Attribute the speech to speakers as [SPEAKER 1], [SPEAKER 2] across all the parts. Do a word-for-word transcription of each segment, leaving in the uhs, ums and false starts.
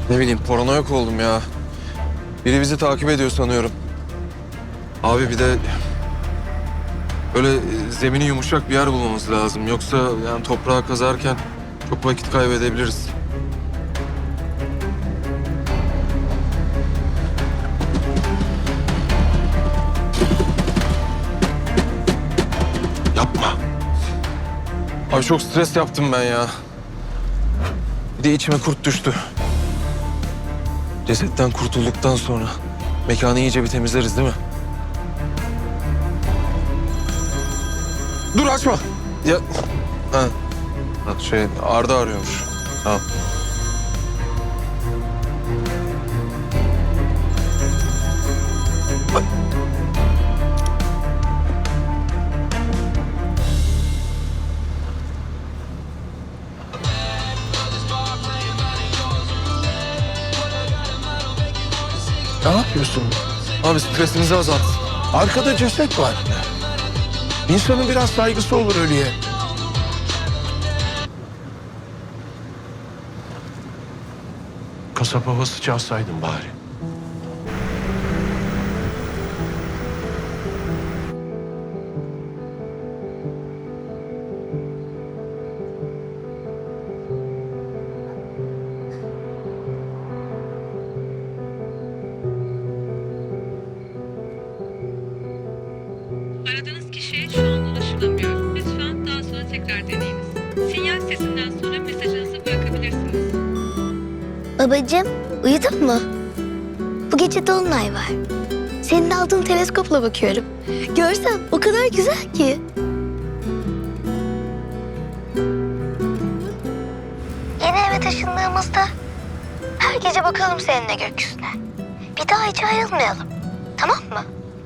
[SPEAKER 1] Ne bileyim, paranoyak oldum ya. Biri bizi takip ediyor sanıyorum. Abi bir de böyle zemini yumuşak bir yer bulmamız lazım. Yoksa yani toprağı kazarken çok vakit kaybedebiliriz. Yapma. Abi çok stres yaptım ben ya. Bir de içime kurt düştü. Cesetten kurtulduktan sonra mekanı iyice bir temizleriz değil mi? Dur açma. Ya ha. Ha, şey Arda arıyormuş. Tamam. Ay.
[SPEAKER 2] Ne yapıyorsun?
[SPEAKER 1] Abi stresimizi azalt.
[SPEAKER 2] Arkada ceset var. İnsanın biraz saygısı olur ölüye. Kasap havası çalsaydın bari.
[SPEAKER 3] Aradığınız kişiye şu an ulaşılamıyor. Lütfen daha sonra tekrar deneyiniz. Sinyal sesinden sonra mesajınızı bırakabilirsiniz.
[SPEAKER 4] Babacığım, uyudun mu? Bu gece dolunay var. Senin aldığın teleskopla bakıyorum. Görsen o kadar güzel ki. Yeni eve taşındığımızda her gece bakalım seninle gökyüzüne. Bir daha hiç ayrılmayalım. Tamam mı?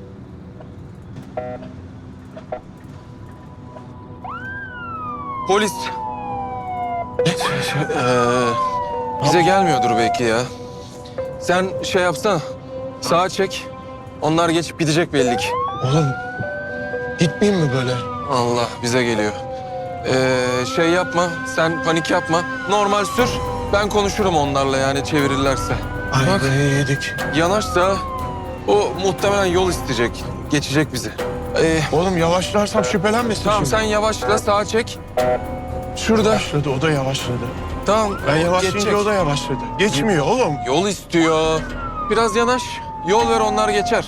[SPEAKER 1] Polis. Ee, bize gelmiyordur belki ya. Sen şey yapsana. Sağa çek. Onlar geçip gidecek belli ki.
[SPEAKER 2] Oğlum gitmeyeyim mi böyle?
[SPEAKER 1] Allah bize geliyor. Ee, şey yapma. Sen panik yapma. Normal sür. Ben konuşurum onlarla yani çevirirlerse.
[SPEAKER 2] Ay
[SPEAKER 1] Bak
[SPEAKER 2] be yedik.
[SPEAKER 1] yanaşsa o muhtemelen yol isteyecek. Geçecek bizi. Ee,
[SPEAKER 2] Oğlum yavaşlarsam şüphelenmesin
[SPEAKER 1] tamam
[SPEAKER 2] şimdi.
[SPEAKER 1] sen yavaşla sağa çek. Şurada.
[SPEAKER 2] Yavaşladı, o da yavaşladı.
[SPEAKER 1] Tamam.
[SPEAKER 2] Ben yavaşlayınca
[SPEAKER 1] geçecek.
[SPEAKER 2] o da yavaşladı. Geçmiyor oğlum.
[SPEAKER 1] Yol istiyor. Biraz yanaş. Yol ver onlar geçer.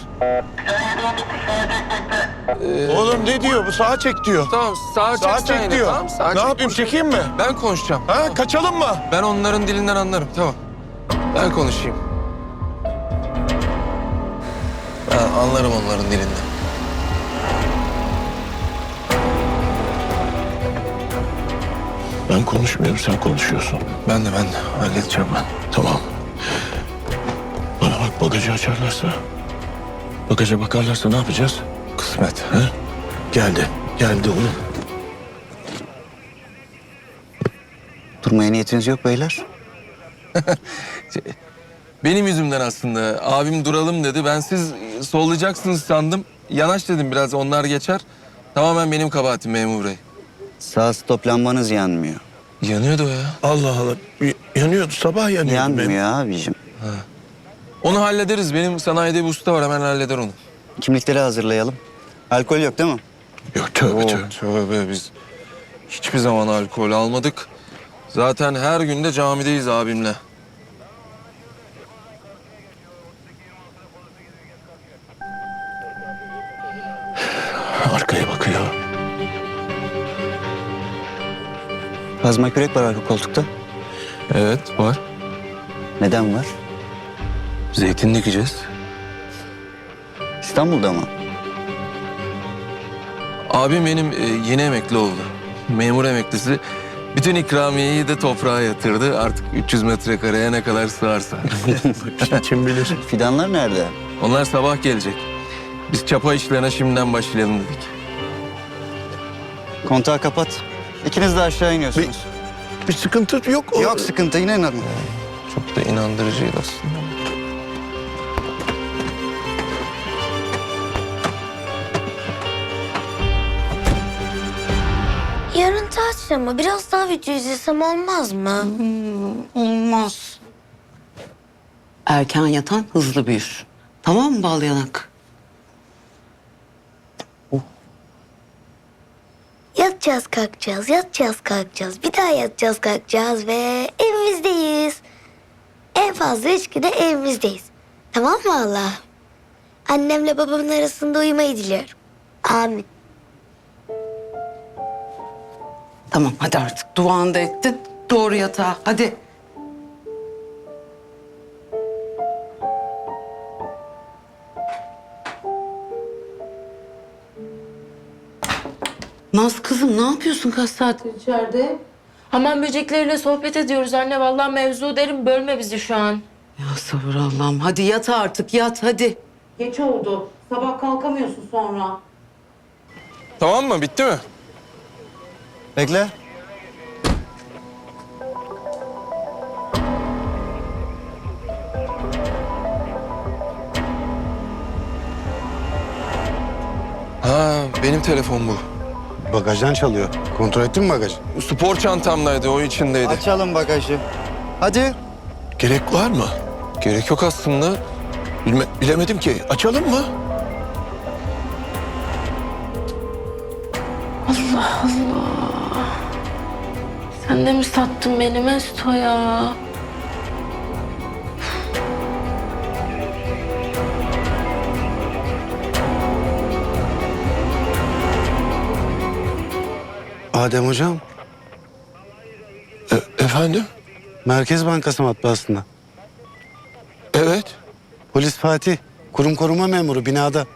[SPEAKER 2] Oğlum ne diyor bu? Sağa çek diyor.
[SPEAKER 1] Tamam sağa,
[SPEAKER 2] Sağa
[SPEAKER 1] çek sen
[SPEAKER 2] çek
[SPEAKER 1] yine,
[SPEAKER 2] diyor.
[SPEAKER 1] Tamam, sağa
[SPEAKER 2] Ne
[SPEAKER 1] çek.
[SPEAKER 2] yapayım, çekeyim mi?
[SPEAKER 1] Ben konuşacağım.
[SPEAKER 2] Ha,
[SPEAKER 1] Tamam.
[SPEAKER 2] kaçalım mı?
[SPEAKER 1] Ben onların dilinden anlarım. Tamam. Ben konuşayım. Ben anlarım onların dilinden.
[SPEAKER 2] Ben konuşmuyorum, sen konuşuyorsun.
[SPEAKER 1] Ben de ben de halledeceğim ben.
[SPEAKER 2] Tamam. Bana bak, bagajı açarlarsa, bagaja bakarlarsa ne yapacağız?
[SPEAKER 1] Kısmet.
[SPEAKER 2] He? Geldi, geldi oğlum.
[SPEAKER 5] Durmaya niyetiniz yok beyler.
[SPEAKER 1] Benim yüzümden aslında. Abim duralım dedi. Ben siz sollayacaksınız sandım. Yanaş dedim biraz onlar geçer. Tamamen benim kabahatim memur bey.
[SPEAKER 5] Sağ stop lambanız yanmıyor.
[SPEAKER 1] Yanıyordu o ya.
[SPEAKER 2] Allah Allah. Y- Yanıyordu, sabah yanıyordu benim.
[SPEAKER 5] Yanmıyor abicim.
[SPEAKER 1] Onu hallederiz. Benim sanayide bir usta var. Hemen halleder onu.
[SPEAKER 5] Kimlikleri hazırlayalım. Alkol yok değil mi?
[SPEAKER 2] Yok tövbe
[SPEAKER 1] Oo,
[SPEAKER 2] tövbe.
[SPEAKER 1] tövbe biz hiçbir zaman alkol almadık. Zaten her gün de camideyiz abimle.
[SPEAKER 2] Arkaya bakıyor.
[SPEAKER 5] Kazma kürek var arka koltukta.
[SPEAKER 1] Evet var.
[SPEAKER 5] Neden var?
[SPEAKER 1] Zeytin dikeceğiz.
[SPEAKER 5] İstanbul'da mı?
[SPEAKER 1] Abim benim e, yeni emekli oldu. Memur emeklisi. Bütün ikramiyeyi de toprağa yatırdı. Artık üç yüz metrekareye ne kadar sığarsa.
[SPEAKER 2] Kim bilir.
[SPEAKER 5] Fidanlar nerede?
[SPEAKER 1] Onlar sabah gelecek. Biz çapa işlerine şimdiden başlayalım dedik.
[SPEAKER 5] Kontağı kapat. İkiniz de aşağı iniyorsunuz.
[SPEAKER 2] Bir sıkıntı yok. o-
[SPEAKER 5] Yok sıkıntı, yine normal.
[SPEAKER 1] Çok da inandırıcıydı aslında.
[SPEAKER 4] Yarın tatil ama biraz daha video izlesem olmaz mı?
[SPEAKER 5] Olmaz.
[SPEAKER 6] Erken yatan hızlı büyür. Tamam mı bal yanak?
[SPEAKER 4] Yatacağız kalkacağız, yatacağız kalkacağız. Bir daha yatacağız kalkacağız ve evimizdeyiz. En fazla üç güne evimizdeyiz. Tamam mı Allah? Annemle babamın arasında uyumayı diliyorum. Amin.
[SPEAKER 6] Tamam hadi artık duanı da ettin. Doğru yatağa hadi. Naz kızım ne yapıyorsun kaç saattir içeride?
[SPEAKER 7] Hamam böcekleriyle sohbet ediyoruz anne. Vallahi mevzu derim, bölme bizi şu an.
[SPEAKER 6] Ya sabır Allah'ım. Hadi yat artık yat hadi. Geç oldu. Sabah kalkamıyorsun sonra.
[SPEAKER 1] Tamam mı? Bitti mi?
[SPEAKER 5] Bekle.
[SPEAKER 1] Ha, benim telefon bu.
[SPEAKER 2] Bagajdan çalıyor. Kontrol ettin mi bagajı?
[SPEAKER 1] Spor çantamdaydı, o içindeydi.
[SPEAKER 5] Açalım bagajı. Hadi.
[SPEAKER 2] Gerek var mı?
[SPEAKER 1] Gerek yok aslında.
[SPEAKER 2] Bilme, bilemedim ki. Açalım mı?
[SPEAKER 7] Sen de mi sattın beni Mesto ya?
[SPEAKER 2] Adem hocam. E- efendim?
[SPEAKER 8] Merkez Bankası matbaasında.
[SPEAKER 2] Evet.
[SPEAKER 8] Polis Fatih, kurum koruma memuru binada.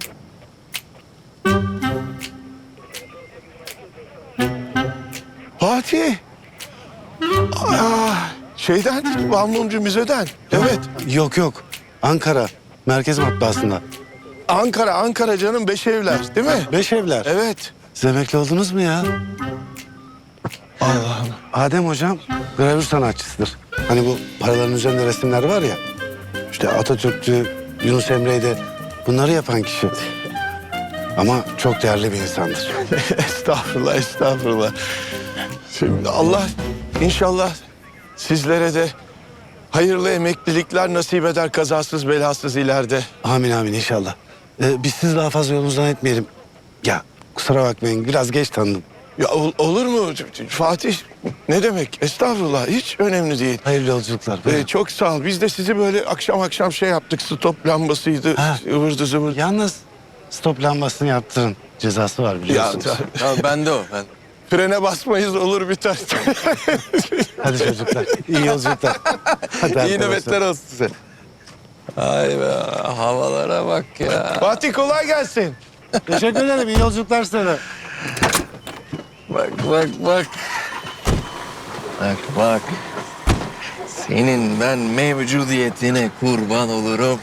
[SPEAKER 2] Fatih. Aa, şeyden, Balmumcu Müze'den. Evet.
[SPEAKER 8] Yok yok, Ankara, Merkez Matbaasında.
[SPEAKER 2] Ankara, Ankara canım, beş evler değil mi?
[SPEAKER 8] Beş evler.
[SPEAKER 2] Evet.
[SPEAKER 8] Siz emekli oldunuz mu ya?
[SPEAKER 2] Allah'ım.
[SPEAKER 8] Adem hocam gravür sanatçısıdır. Hani bu paraların üzerinde resimler var ya. İşte Atatürk'tü, Yunus Emre'ydi. Bunları yapan kişi. Ama çok değerli bir insandır.
[SPEAKER 2] Estağfurullah, estağfurullah. Şimdi Allah inşallah sizlere de hayırlı emeklilikler nasip eder, kazasız belasız ileride.
[SPEAKER 8] Amin amin inşallah. Ee, biz sizi daha fazla yolunuzdan etmeyelim. Ya kusura bakmayın biraz geç tanıdım.
[SPEAKER 2] Ya ol- olur mu Fatih? Ne demek? Estağfurullah, hiç önemli değil.
[SPEAKER 8] Hayırlı yolculuklar.
[SPEAKER 2] Ee, çok sağ ol. Biz de sizi böyle akşam akşam şey yaptık. Stop lambasıydı,
[SPEAKER 8] Ha.
[SPEAKER 2] ıvırdı zıvırdı.
[SPEAKER 8] Yalnız stop lambasını yaptırın. Cezası var
[SPEAKER 2] Ya,
[SPEAKER 8] biliyorsunuz.
[SPEAKER 1] Ya ben de o, ben.
[SPEAKER 2] frene basmayız olur biter.
[SPEAKER 8] Hadi çocuklar. İyi yolculuklar. Hadi
[SPEAKER 1] İyi
[SPEAKER 8] arkadaşlar.
[SPEAKER 1] nöbetler olsun size. Ay be, havalara bak ya.
[SPEAKER 2] Fatih kolay gelsin.
[SPEAKER 8] Teşekkür ederim. İyi yolculuklar sana.
[SPEAKER 1] Bak, bak, bak. Bak, bak. Senin ben mevcudiyetine kurban olurum.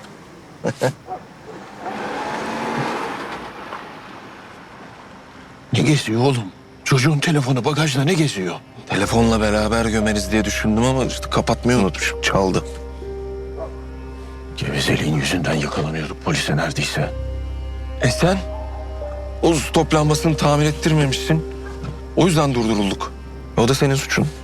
[SPEAKER 2] Ne geziyor oğlum? Çocuğun telefonu bagajda ne geziyor?
[SPEAKER 1] Telefonla beraber gömeriz diye düşündüm ama işte kapatmayı unutmuşum. Çaldı.
[SPEAKER 2] Gevezeliğin yüzünden yakalanıyorduk polise neredeyse.
[SPEAKER 1] E sen? O stop lambasını tamir ettirmemişsin. O yüzden durdurulduk. O da senin suçun.